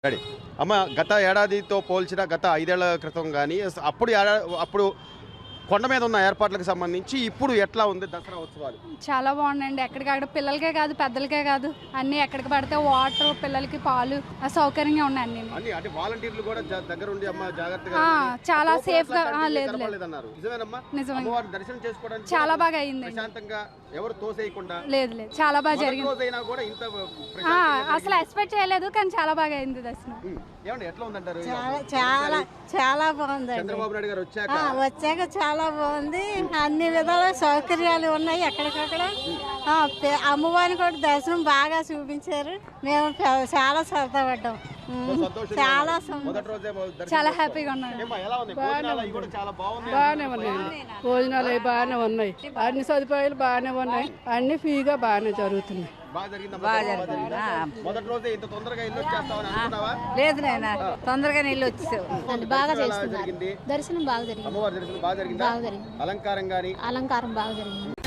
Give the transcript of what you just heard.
Ready అమ్మ గత ఏడాదితో పోల్చిన గత 5 ఏళ్ల క్రితం కానీ అప్పుడు కొండ మీద ఉన్న ఏర్పాట్లకు సంబంధించి ఇప్పుడు ఎట్లా ఉంది దసరా ఉత్సవాలు? చాలా బాగుందండి. ఎక్కడికక్కడ పిల్లలకే కాదు పెద్దలకే కాదు అన్ని ఎక్కడికి పడితే వాటర్, పిల్లలకి పాలు సౌకర్యంగా ఉన్నాయి అన్ని. అంటే వాలంటీర్లు కూడా దగ్గర ఉండి అమ్మ జాగ్రత్తగా చాలా సేఫ్ గా లేదు నిజమే. దర్శనం చేసుకోవడానికి చాలా బాగా అయింది. ప్రశాంతంగా ఎవరు తోసేయకుండా లేదు చాలా బాగా జరిగింది. అసలు ఎక్స్పెక్ట్ చేయలేదు కానీ చాలా బాగా అయింది దర్శనం. ఏమండి ఎట్లా ఉందంటారు? చాలా చాలా బాగుంది. చంద్రబాబు నాయుడు గారు వచ్చాక చాలా బాగుంది. అన్ని విధాల సౌకర్యాలు ఉన్నాయి. ఎక్కడికక్కడ అమ్మవారిని కూడా దర్శనం బాగా చూపించారు. మేము చాలా సరదా పడ్డాం. చాలా హ్యాపీగా ఉన్నాం. బాగానే ఉన్నాయండి. భోజనాలు అవి బాగానే ఉన్నాయి. అన్ని సదుపాయాలు బాగానే ఉన్నాయి. అన్ని ఫ్రీగా బాగానే జరుగుతున్నాయి. లేదు నాయన తొందరగా నీళ్ళు వచ్చేసావు. బాగా చేస్తున్నారు. దర్శనం బాగా జరిగింది. అలంకారం బాగా జరిగింది.